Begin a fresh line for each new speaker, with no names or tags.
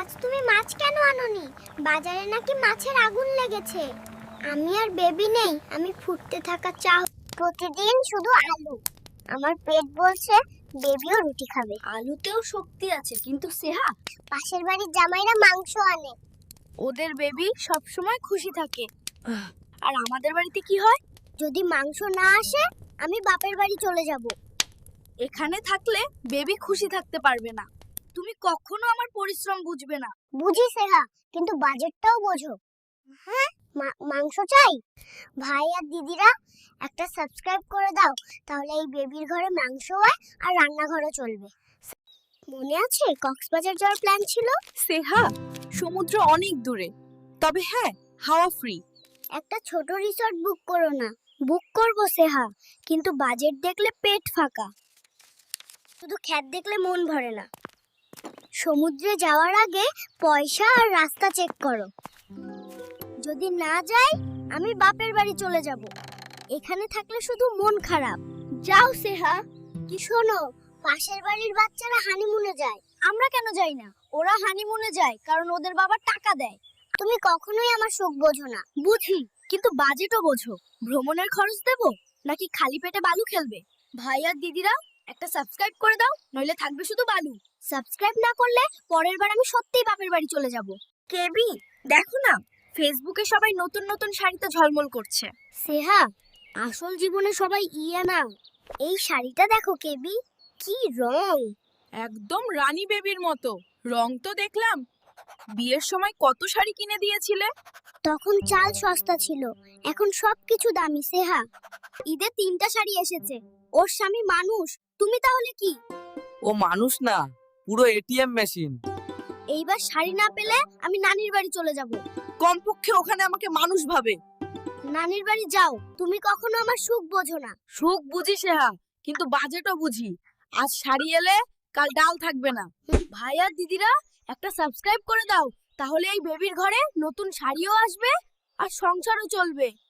আজ তুমি মাছ কেন আনোনি? বাজারে নাকি মাছের আগুন লেগেছে। আমি আর বেবি নেই, আমি ফুটতে থাকা চা। প্রতিদিন শুধু আলু। আমার পেট বলছে বেবিও রুটি খাবে।
আলুতেও শক্তি আছে, কিন্তু সেহা,
পাশের বাড়ির জামাইরা মাংস আনে।
ওদের বেবি সব সময় খুশি থাকে। আর আমাদের বাড়িতে কি হয়?
যদি মাংস না আসে আমি বাপের বাড়ি চলে যাব।
এখানে থাকলে বেবি খুশি থাকতে পারবে না। তুমি কখনো আমার পরিশ্রম বুঝবে না।
বুঝি সেহা, কিন্তু বাজেটটাও বোঝো। হ্যাঁ, মাংস চাই। ভাই আর দিদিরা একটা সাবস্ক্রাইব করে দাও, তাহলে এই বেবির ঘরে মাংস হয় আর রান্নাঘরও চলবে। মনে আছে কক্সবাজার যাওয়ার প্ল্যান ছিল?
সেহা, সমুদ্র অনেক দূরে, তবে হ্যাঁ, হাওয়া ফ্রি।
একটা ছোট রিসর্ট বুক করো না। বুক করব সেহা, কিন্তু বাজেট দেখলে পেট ফাঁকা। শুধু খ্যাত দেখলে মন ভরে না। সমুদ্রে যাওয়ার আগে পয়সা আর রাস্তা চেক করো। যদি না যাই আমি বাপের বাড়ি চলে যাব। এখানে থাকলে শুধু মন খারাপ। যাও সেহা। কি শোনো, পাশের বাড়ির বাচ্চারা হানিমুনে যায়।
আমরা কেন যাই না? ওরা হানিমুনে যায় কারণ ওদের বাবা টাকা দেয়।
তুমি কখনোই আমার সুখ বোঝো না।
বুঝি, কিন্তু বাজেটও বোঝো। ভ্রমণের খরচ দেবো নাকি খালি পেটে বালু খেলবে? ভাই আর দিদিরা একটা সাবস্ক্রাইব করে দাও, নইলে থাকবে শুধু বালু।
সাবস্ক্রাইব না করলে পরের বার আমি সত্যিই বাপের বাড়ি চলে যাব।
কেবি, দেখো না, ফেসবুকে সবাই নতুন নতুন শাড়িতে ঝলমল করছে।
সেহা, আসল জীবনে সবাই ইয়া না। এই শাড়িটা দেখো কেবি, কি রং!
একদম রানী বেবির মতো। রং তো দেখলাম। বিয়ের সময় কত শাড়ি কিনে দিয়েছিলে?
তখন চাল সস্তা ছিল, এখন সবকিছু দামি সেহা। ঈদে 3টা শাড়ি এসেছে। ওর স্বামী মানুষ, তুমি তাহলে কি?
ও মানুষ না, পুরো এটিএম মেশিন।
এইবার শাড়ি না পেলে আমি নানির বাড়ি চলে যাব।
কমপক্ষে ওখানে আমাকে মানুষ ভাবে।
নানির বাড়ি যাও, তুমি কখনো আমার সুখ বোঝো না।
সুখ বুঝি সেহা, কিন্তু বাজেটও বুঝি। আজ শাড়ি এলে কাল ডাল থাকবে না। ভাই আর দিদিরা একটা সাবস্ক্রাইব করে দাও, তাহলে এই বেবির ঘরে নতুন শাড়িও আসবে আর সংসারও চলবে।